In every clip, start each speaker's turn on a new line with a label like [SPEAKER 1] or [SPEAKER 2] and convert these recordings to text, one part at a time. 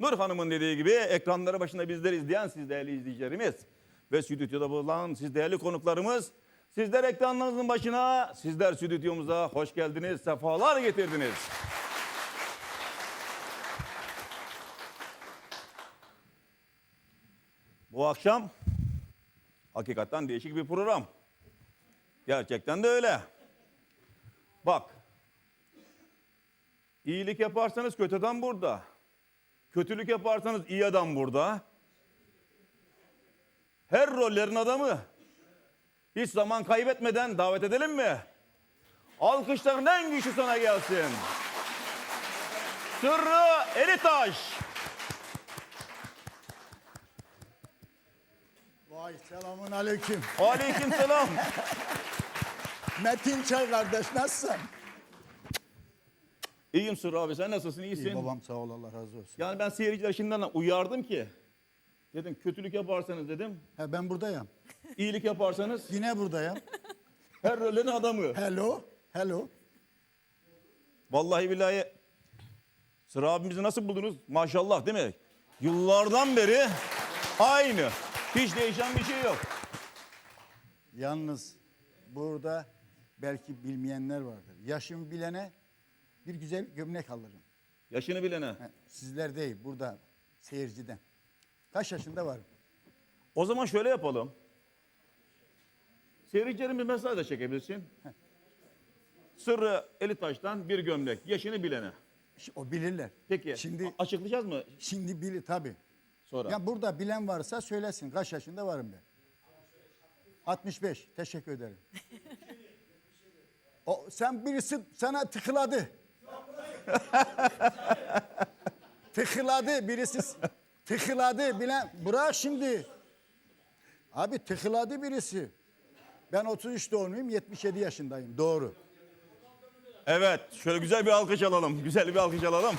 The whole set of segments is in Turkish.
[SPEAKER 1] Nur Hanım'ın dediği gibi ekranları başında bizleri izleyen siz değerli izleyicilerimiz ve stüdyoda bulunan siz değerli konuklarımız, sizler ekranlarınızın başına, sizler stüdyomuza hoş geldiniz, sefalar getirdiniz. Bu akşam hakikaten değişik bir program. Gerçekten de öyle. Bak, iyilik yaparsanız kötü adam burada. Kötülük yaparsanız iyi adam burada. Her rollerin adamı. Hiç zaman kaybetmeden davet edelim mi? Alkışların en güçlü sana gelsin. Sırrı Elitaş.
[SPEAKER 2] Vay selamun aleyküm.
[SPEAKER 1] Aleykümselam.
[SPEAKER 2] Metin Çay kardeş nasılsın?
[SPEAKER 1] İyiyim Sırrı abi, sen nasılsın? İyisin.
[SPEAKER 2] İyi babam sağ ol Allah razı olsun.
[SPEAKER 1] Yani ben seyirciler şimdiden uyardım ki. Dedim kötülük yaparsanız dedim.
[SPEAKER 2] He, ben buradayım.
[SPEAKER 1] İyilik yaparsanız
[SPEAKER 2] Yine buradayım.
[SPEAKER 1] her rollerin adamı.
[SPEAKER 2] Hello. Hello.
[SPEAKER 1] Vallahi billahi Sırrı abimizi nasıl buldunuz? Maşallah değil mi? Yıllardan beri aynı. Hiç değişen bir şey yok.
[SPEAKER 2] Yalnız burada belki bilmeyenler vardır. Yaşımı bilene bir güzel gömlek alırım.
[SPEAKER 1] Yaşını bilene.
[SPEAKER 2] He, sizler değil burada seyirciden. Kaç yaşında varım?
[SPEAKER 1] O zaman şöyle yapalım. Seyircilerimiz mesaj da çekebilirsin. Sırrı Elitaş'tan bir gömlek. Yaşını bilene.
[SPEAKER 2] O bilirler.
[SPEAKER 1] Peki
[SPEAKER 2] Şimdi
[SPEAKER 1] açıklayacağız mı
[SPEAKER 2] bilir tabii.
[SPEAKER 1] sonra?
[SPEAKER 2] Ya burada bilen varsa söylesin. Kaç yaşında varım ben? 65. Teşekkür ederim. Sen birisi sana tıkladı. Tıkladı birisi. Tıkladı bilen. Bırak şimdi. Abi tıkladı birisi. Ben 33 doğumluyum, 77 yaşındayım. Doğru.
[SPEAKER 1] Evet, şöyle güzel bir alkış alalım. Güzel bir alkış alalım.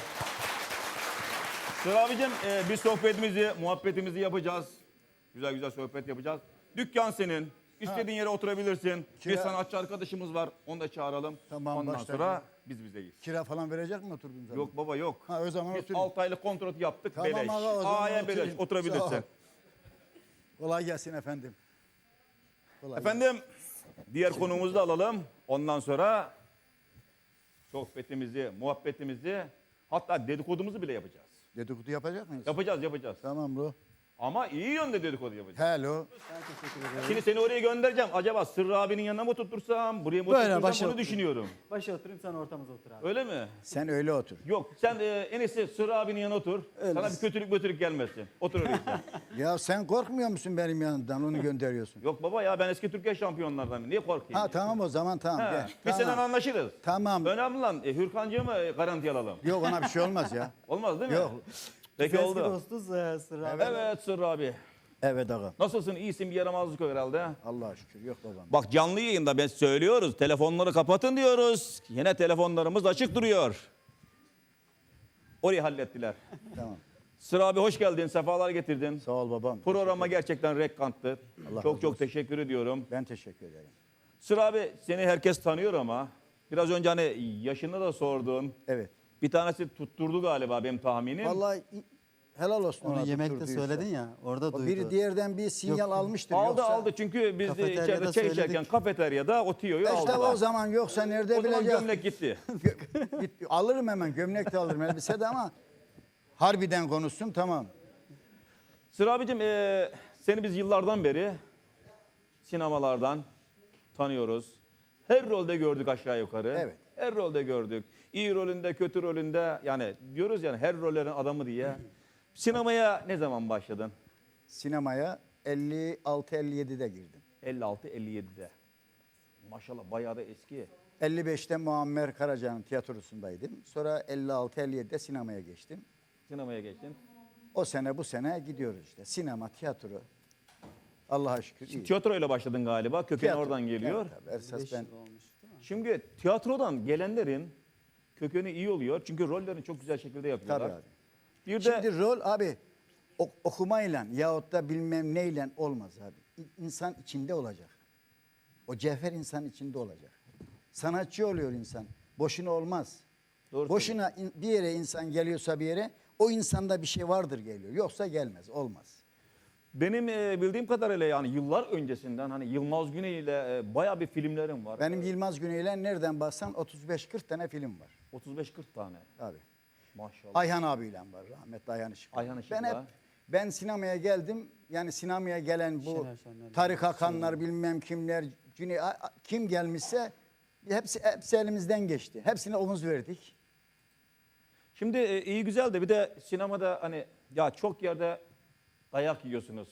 [SPEAKER 1] Sırrı abicim, biz sohbetimizi, muhabbetimizi yapacağız. Güzel güzel sohbet yapacağız. Dükkan senin. İstediğin yere oturabilirsin. Bir sanatçı arkadaşımız var. Onu da çağıralım.
[SPEAKER 2] Tamam,
[SPEAKER 1] ondan
[SPEAKER 2] başlayalım.
[SPEAKER 1] sonra biz bizeyiz.
[SPEAKER 2] Kira falan verecek mi oturduğum zaman?
[SPEAKER 1] Yok baba yok.
[SPEAKER 2] Ha, o zaman
[SPEAKER 1] Biz
[SPEAKER 2] oturayım.
[SPEAKER 1] 6 aylık kontrat yaptık.
[SPEAKER 2] Tamam
[SPEAKER 1] beleş.
[SPEAKER 2] aga, o zaman
[SPEAKER 1] A'ya beleş.
[SPEAKER 2] oturayım. Sağ ol.
[SPEAKER 1] Oturabilirsin.
[SPEAKER 2] Kolay gelsin efendim. Kolay
[SPEAKER 1] Efendim, diğer konumuzu da alalım. Ondan sonra sohbetimizi, muhabbetimizi, hatta dedikodumuzu bile yapacağız.
[SPEAKER 2] gelsin. Dedikodu yapacak mıyız?
[SPEAKER 1] Yapacağız.
[SPEAKER 2] Tamam bro.
[SPEAKER 1] Ama iyi yönde dedikodu yapacağız.
[SPEAKER 2] Hello.
[SPEAKER 1] Şimdi seni oraya göndereceğim. Acaba Sırrı abinin yanına mı tuttursam, buraya mı
[SPEAKER 3] Böyle,
[SPEAKER 1] oturtursam
[SPEAKER 3] başa
[SPEAKER 1] bunu
[SPEAKER 3] otur.
[SPEAKER 1] düşünüyorum.
[SPEAKER 3] Başa oturayım sen ortamıza otur abi.
[SPEAKER 1] Öyle mi?
[SPEAKER 2] Sen öyle otur.
[SPEAKER 1] Yok, sen en iyisi Sırrı abinin yanına otur.
[SPEAKER 3] Öyle.
[SPEAKER 1] Sana bir kötülük gelmesin. Otur oraya sen.
[SPEAKER 2] Ya sen korkmuyor musun benim yanımdan onu gönderiyorsun?
[SPEAKER 1] Yok baba ya, ben eski Türkiye şampiyonlardanım. Niye korkayım?
[SPEAKER 2] Ha tamam o zaman tamam.
[SPEAKER 1] Ha,
[SPEAKER 2] Gel.
[SPEAKER 1] biz
[SPEAKER 2] Tamam.
[SPEAKER 1] seninle anlaşırız.
[SPEAKER 2] Tamam.
[SPEAKER 1] Önemli lan, Hürkancı'yı mı garanti alalım?
[SPEAKER 2] Yok ona bir şey olmaz ya.
[SPEAKER 1] Olmaz değil mi?
[SPEAKER 2] Yok.
[SPEAKER 1] Peki
[SPEAKER 3] Eski
[SPEAKER 1] oldu.
[SPEAKER 3] dostuz Sırrı abi.
[SPEAKER 1] Evet Sırrı abi.
[SPEAKER 2] Evet ağam.
[SPEAKER 1] Nasılsın? İyisin, bir yaramazlık yok herhalde.
[SPEAKER 2] Allah'a şükür yok babam.
[SPEAKER 1] Bak canlı yayında ben söylüyoruz. Telefonları kapatın diyoruz. Yine telefonlarımız açık duruyor. Orayı hallettiler.
[SPEAKER 2] Tamam.
[SPEAKER 1] Sırrı abi hoş geldin. Sefalar getirdin.
[SPEAKER 2] Sağ ol babam.
[SPEAKER 1] Programa gerçekten rekkanttı.
[SPEAKER 2] Allah
[SPEAKER 1] Çok
[SPEAKER 2] razı
[SPEAKER 1] çok
[SPEAKER 2] olsun.
[SPEAKER 1] teşekkür ediyorum.
[SPEAKER 2] Ben teşekkür ederim.
[SPEAKER 1] Sırrı abi seni herkes tanıyor ama biraz önce hani yaşını da sordun.
[SPEAKER 2] Evet.
[SPEAKER 1] Bir tanesi tutturdu galiba benim tahminim.
[SPEAKER 2] Vallahi helal olsun ona
[SPEAKER 3] Onu yemekte
[SPEAKER 2] tutturduysa.
[SPEAKER 3] söyledin ya orada
[SPEAKER 2] O
[SPEAKER 3] duydu.
[SPEAKER 2] biri diğerden bir sinyal almıştır.
[SPEAKER 1] Aldı
[SPEAKER 2] yoksa...
[SPEAKER 1] aldı çünkü biz de
[SPEAKER 3] Kafeteryada
[SPEAKER 1] içeride çay içerken
[SPEAKER 3] söyledik.
[SPEAKER 1] kafeteryada o tiyoyu
[SPEAKER 2] İşte
[SPEAKER 1] aldılar.
[SPEAKER 2] o zaman yoksa nerede
[SPEAKER 1] O zaman
[SPEAKER 2] bilecek?
[SPEAKER 1] gömlek gitti.
[SPEAKER 2] Alırım hemen gömlek de alırım elbise de ama harbiden konuşsun tamam.
[SPEAKER 1] Sırrı abicim seni biz yıllardan beri sinemalardan tanıyoruz. Her rolde gördük aşağı yukarı.
[SPEAKER 2] Evet.
[SPEAKER 1] Her rolde gördük. İyi rolünde, kötü rolünde yani diyoruz yani her rollerin adamı diye. Sinemaya ne zaman başladın?
[SPEAKER 2] Sinemaya 56-57'de girdim.
[SPEAKER 1] 56-57'de. Maşallah bayağı da eski.
[SPEAKER 2] 55'te Muammer Karaca'nın tiyatrosundaydım. Sonra 56-57'de sinemaya geçtim.
[SPEAKER 1] Sinemaya geçtin.
[SPEAKER 2] O sene bu sene gidiyoruz işte. Sinema, tiyatro. Allah'a şükür iyi.
[SPEAKER 1] Tiyatroyla başladın galiba. Kökeni
[SPEAKER 2] Tiyatro.
[SPEAKER 1] oradan geliyor.
[SPEAKER 2] Evet, tabii. Esas
[SPEAKER 3] 5
[SPEAKER 2] ben
[SPEAKER 3] yıl olmuş değil mi?
[SPEAKER 1] Şimdi tiyatrodan gelenlerin kökeni iyi oluyor. Çünkü rollerini çok güzel şekilde yapıyorlar.
[SPEAKER 2] tabii abi.
[SPEAKER 1] Bir de
[SPEAKER 2] Şimdi rol abi okumayla yahut da bilmem neyle olmaz abi. İnsan içinde olacak. O cevher insan içinde olacak. Sanatçı oluyor insan. Boşuna olmaz.
[SPEAKER 1] Doğru
[SPEAKER 2] Boşuna bir yere insan geliyorsa bir yere O insanda bir şey vardır geliyor. Yoksa gelmez, olmaz.
[SPEAKER 1] Benim bildiğim kadarıyla yani yıllar öncesinden hani Yılmaz Güney ile bayağı bir filmlerim var.
[SPEAKER 2] Benim Yılmaz Güney'le nereden baksan 35-40 tane film var.
[SPEAKER 1] 35-40 tane.
[SPEAKER 2] Abi.
[SPEAKER 1] Maşallah.
[SPEAKER 2] Ayhan abiyle var, rahmetli Ayhan Işıklı.
[SPEAKER 1] Ayhan Işıklı.
[SPEAKER 2] Ben sinemaya geldim. Yani sinemaya gelen bu
[SPEAKER 3] Şener Şenler,
[SPEAKER 2] Tarık Hakanlar bilmem kimler, Cüney, kim gelmişse hepsi elimizden geçti. Hepsine omuz verdik.
[SPEAKER 1] Şimdi iyi güzel de bir de sinemada hani ya çok yerde dayak yiyorsunuz.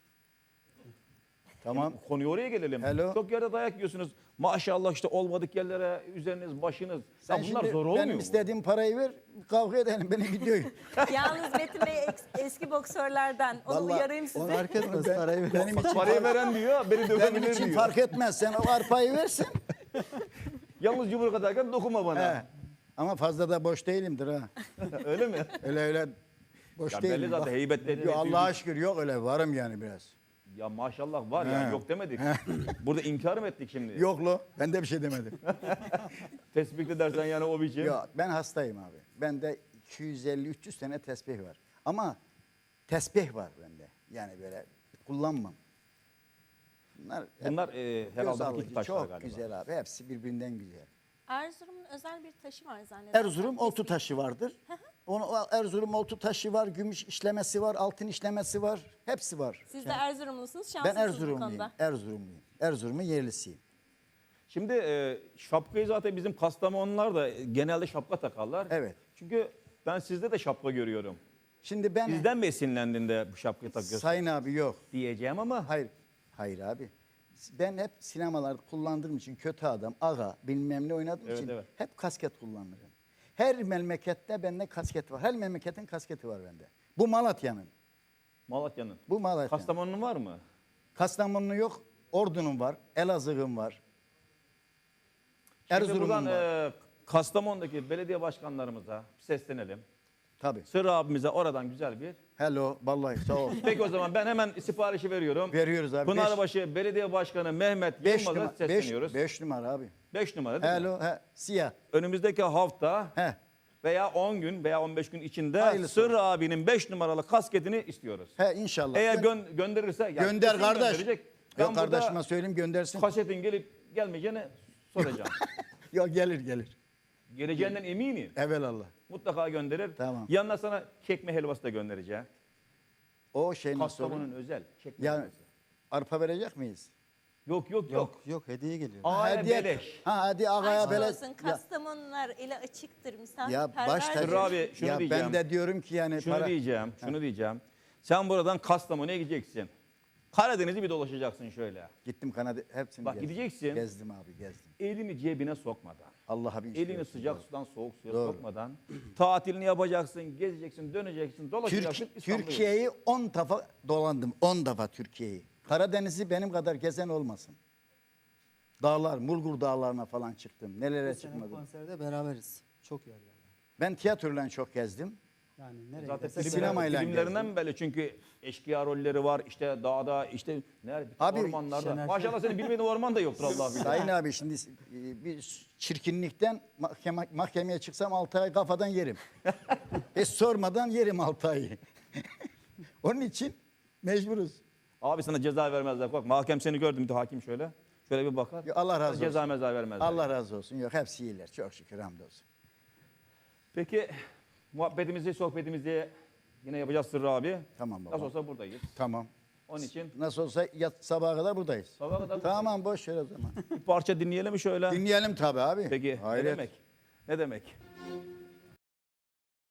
[SPEAKER 2] Tamam.
[SPEAKER 1] Konuya oraya gelelim.
[SPEAKER 2] Hello.
[SPEAKER 1] Çok yerde dayak yiyorsunuz. Maşallah işte olmadık yerlere üzeriniz, başınız.
[SPEAKER 2] Sen
[SPEAKER 1] Ya bunlar
[SPEAKER 2] şimdi
[SPEAKER 1] zor olmuyor
[SPEAKER 2] benim
[SPEAKER 1] mu?
[SPEAKER 2] istediğim parayı ver, kavga edelim beni gidiyor.
[SPEAKER 4] Yalnız Metin Bey eski boksörlerden. Onu
[SPEAKER 2] Vallahi
[SPEAKER 4] uyarayım sizi.
[SPEAKER 3] Fark etmez parayı ver.
[SPEAKER 2] Benim için,
[SPEAKER 1] Parayı veren diyor, beni
[SPEAKER 2] benim
[SPEAKER 1] dövebilir
[SPEAKER 2] için
[SPEAKER 1] diyor.
[SPEAKER 2] fark etmez. Sen o arpayı versin.
[SPEAKER 1] Yalnız yumruk atarken dokunma bana.
[SPEAKER 2] He. Ama fazla da boş değilimdir ha.
[SPEAKER 1] Öyle mi?
[SPEAKER 2] Öyle boş
[SPEAKER 1] Ya
[SPEAKER 2] değilim.
[SPEAKER 1] belli zaten
[SPEAKER 2] Bak,
[SPEAKER 1] heybetleri.
[SPEAKER 2] yok, Allah'a şükür yok öyle varım yani biraz.
[SPEAKER 1] Ya maşallah var ya
[SPEAKER 2] He.
[SPEAKER 1] yok demedik. Burada inkar mı ettik şimdi?
[SPEAKER 2] Yok lo ben de bir şey demedim.
[SPEAKER 1] Tespit edersen yani o biçim.
[SPEAKER 2] Yok ben hastayım abi. Bende 250-300 tane tesbih var. Ama tesbih var bende. Yani böyle kullanmam.
[SPEAKER 1] Bunlar
[SPEAKER 2] göz
[SPEAKER 1] herhalde
[SPEAKER 2] alıcı,
[SPEAKER 1] hakiki taşlar
[SPEAKER 2] çok
[SPEAKER 1] galiba.
[SPEAKER 2] güzel abi. Hepsi birbirinden güzel.
[SPEAKER 4] Erzurum'un özel bir taşı var zannedersem.
[SPEAKER 2] Erzurum oltu taşı vardır. Erzurum oltu taşı var, gümüş işlemesi var, altın işlemesi var. Hepsi var.
[SPEAKER 4] Siz de Erzurumlusunuz,
[SPEAKER 2] Ben
[SPEAKER 4] şanslısınız bu
[SPEAKER 2] Erzurumluyum.
[SPEAKER 4] konuda.
[SPEAKER 2] Erzurumluyum. Erzurum'un yerlisiyim.
[SPEAKER 1] Şimdi şapkayı zaten bizim Kastamonular da genelde şapka takarlar.
[SPEAKER 2] Evet.
[SPEAKER 1] Çünkü ben sizde de şapka görüyorum.
[SPEAKER 2] Şimdi ben
[SPEAKER 1] Bizden mi esinlendin de bu şapkayı takıyorsun
[SPEAKER 2] Sayın abi yok.
[SPEAKER 1] diyeceğim ama
[SPEAKER 2] Hayır. Hayır abi. Ben hep sinemalarda kullandığım için kötü adam, ağa, bilmem ne oynadığım
[SPEAKER 1] Evet,
[SPEAKER 2] için
[SPEAKER 1] evet.
[SPEAKER 2] hep kasket kullanırım. Her memlekette bende kasket var. Her memleketin kasketi var bende. Bu Malatya'nın.
[SPEAKER 1] Malatya'nın.
[SPEAKER 2] Bu Malatya'nın.
[SPEAKER 1] Kastamonu'nun var mı?
[SPEAKER 2] Kastamonu'nun yok. Ordu'nun var. Elazığ'ın var.
[SPEAKER 1] Şimdi
[SPEAKER 2] Erzurum'un
[SPEAKER 1] buradan
[SPEAKER 2] var.
[SPEAKER 1] Kastamonu'daki belediye başkanlarımıza seslenelim.
[SPEAKER 2] Tabii.
[SPEAKER 1] Sırrı abimize oradan güzel bir.
[SPEAKER 2] Hello. Vallahi sağ ol.
[SPEAKER 1] Peki o zaman ben hemen siparişi veriyorum.
[SPEAKER 2] Veriyoruz abi.
[SPEAKER 1] Pınarbaşı Belediye Başkanı Mehmet
[SPEAKER 2] 5
[SPEAKER 1] Yılmaz'a
[SPEAKER 2] numara.
[SPEAKER 1] sesleniyoruz.
[SPEAKER 2] 5 numara abi.
[SPEAKER 1] 5 numara değil mi?
[SPEAKER 2] Hello. He, siyah.
[SPEAKER 1] Önümüzdeki hafta
[SPEAKER 2] He.
[SPEAKER 1] veya 10 gün veya 15 gün içinde
[SPEAKER 2] Hayırlısı
[SPEAKER 1] Sırrı abinin 5 numaralı kasketini istiyoruz.
[SPEAKER 2] He inşallah.
[SPEAKER 1] Eğer gönderirse yani
[SPEAKER 2] Gönder
[SPEAKER 1] kesin
[SPEAKER 2] kardeş.
[SPEAKER 1] gönderecek. Ben
[SPEAKER 2] Yok
[SPEAKER 1] burada
[SPEAKER 2] kardeşime söyleyeyim göndersin.
[SPEAKER 1] kasetin gelip gelmeyeceğini soracağım.
[SPEAKER 2] Yok gelir.
[SPEAKER 1] Geleceğinden eminim.
[SPEAKER 2] Evelallah.
[SPEAKER 1] Mutlaka gönderir.
[SPEAKER 2] Tamam.
[SPEAKER 1] Yanına sana çekme helvası da göndereceğim.
[SPEAKER 2] O şey nasıl
[SPEAKER 1] Kastamonu'nun
[SPEAKER 2] olur?
[SPEAKER 1] özel çekme
[SPEAKER 2] Ya
[SPEAKER 1] helvası.
[SPEAKER 2] arpa verecek miyiz?
[SPEAKER 1] Yok.
[SPEAKER 3] Yok hediye geliyor.
[SPEAKER 1] Ağaya
[SPEAKER 2] Hediye-
[SPEAKER 1] beleş.
[SPEAKER 2] Ha hadi ağaya
[SPEAKER 4] Aşk
[SPEAKER 2] beleş.
[SPEAKER 4] olsun, Kastamonular ile açıktır,
[SPEAKER 2] Ya
[SPEAKER 4] misafirperver.
[SPEAKER 2] baş tacı.
[SPEAKER 1] Sırrı abi şunu
[SPEAKER 2] Ya
[SPEAKER 1] diyeceğim.
[SPEAKER 2] ben de diyorum ki yani
[SPEAKER 1] Şunu
[SPEAKER 2] para.
[SPEAKER 1] diyeceğim. Sen buradan Kastamonu'ya gideceksin. Karadeniz'i bir dolaşacaksın şöyle.
[SPEAKER 2] Gittim Kanada hepsini
[SPEAKER 1] Bak
[SPEAKER 2] gezdim.
[SPEAKER 1] gideceksin.
[SPEAKER 2] Gezdim abi gezdim.
[SPEAKER 1] Elini cebine sokmadan.
[SPEAKER 2] Allah'a bin
[SPEAKER 1] Elini
[SPEAKER 2] şükür.
[SPEAKER 1] sıcak sudan soğuk suya
[SPEAKER 2] Doğru.
[SPEAKER 1] sokmadan. Tatilini yapacaksın, gezeceksin, döneceksin, dolaşacaksın. İstanbul'a
[SPEAKER 2] Türkiye'yi 10 defa dolandım. 10 defa Türkiye'yi. Karadeniz'i benim kadar gezen olmasın. Dağlar, Mulgur dağlarına falan çıktım. Nelere
[SPEAKER 3] Bu sene
[SPEAKER 2] çıkmadım.
[SPEAKER 3] konserde beraberiz. Çok yerlerde.
[SPEAKER 2] Ben tiyatroyla çok gezdim.
[SPEAKER 3] Yani nereye
[SPEAKER 1] Zaten
[SPEAKER 3] gidersek
[SPEAKER 2] sinemayla
[SPEAKER 1] filmlerinden
[SPEAKER 2] gezdim.
[SPEAKER 1] böyle çünkü eşkıya rolleri var. İşte dağda, işte nerede?
[SPEAKER 2] Abi,
[SPEAKER 1] Ormanlarda.
[SPEAKER 3] Şener
[SPEAKER 1] Maşallah senin bilmediğin orman da yoktur Allah bilir.
[SPEAKER 2] Sayın abi şimdi bir çirkinlikten mahkemeye çıksam 6 ay kafadan yerim. Hiç sormadan yerim 6 ayı. Onun için mecburuz.
[SPEAKER 1] Abi sana ceza vermezler. Korkma. Hakem seni gördü mü? Hakim şöyle. Şöyle bir bakar.
[SPEAKER 2] Ya Allah razı
[SPEAKER 1] Sana Ceza
[SPEAKER 2] olsun.
[SPEAKER 1] meza vermezler.
[SPEAKER 2] Allah razı olsun. Yok hepsi iyiler. Çok şükür hamdolsun.
[SPEAKER 1] Peki muhabbetimizi, sohbetimizi yine yapacağız Sırrı abi.
[SPEAKER 2] Tamam baba.
[SPEAKER 1] Nasıl olsa buradayız.
[SPEAKER 2] Tamam.
[SPEAKER 1] Onun için
[SPEAKER 2] Nasıl olsa sabaha kadar buradayız.
[SPEAKER 1] sabaha kadar
[SPEAKER 2] Tamam boş ver o zaman.
[SPEAKER 1] bir parça dinleyelim mi şöyle?
[SPEAKER 2] Dinleyelim tabii abi.
[SPEAKER 1] Peki
[SPEAKER 2] Hayret.
[SPEAKER 1] ne demek? Ne demek?